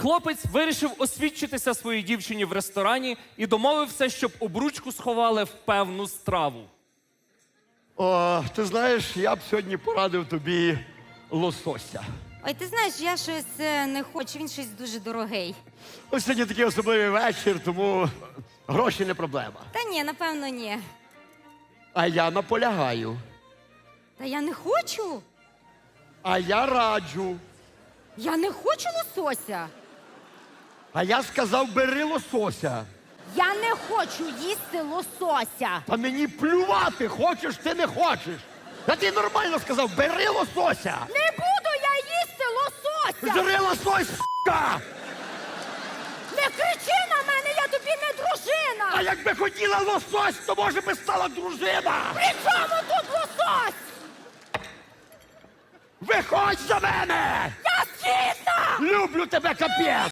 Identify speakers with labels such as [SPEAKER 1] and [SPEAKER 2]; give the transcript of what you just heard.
[SPEAKER 1] Хлопець вирішив освідчитися своїй дівчині в ресторані і домовився, щоб обручку сховали в певну страву.
[SPEAKER 2] О, ти знаєш, я б сьогодні порадив тобі лосося.
[SPEAKER 3] Ой, ти знаєш, я щось не хочу, він щось дуже дорогий.
[SPEAKER 2] Ось сьогодні такий особливий вечір, тому гроші не проблема.
[SPEAKER 3] Та ні, напевно, ні.
[SPEAKER 2] А я наполягаю.
[SPEAKER 3] Та я не хочу.
[SPEAKER 2] А я раджу.
[SPEAKER 3] Я не хочу лосося.
[SPEAKER 2] А я сказав, бери лосося.
[SPEAKER 3] Я не хочу їсти лосося.
[SPEAKER 2] Та мені плювати, хочеш ти не хочеш. Я тобі нормально сказав, бери лосося.
[SPEAKER 3] Не буду я їсти лосося!
[SPEAKER 2] Бери лосось, с**ка!
[SPEAKER 3] Не кричи на мене, я тобі не дружина!
[SPEAKER 2] А якби хотіла лосось, то може би стала дружина.
[SPEAKER 3] При чому тут лосось?
[SPEAKER 2] Виходь за мене!
[SPEAKER 3] Я згідна!
[SPEAKER 2] Люблю тебе, капець!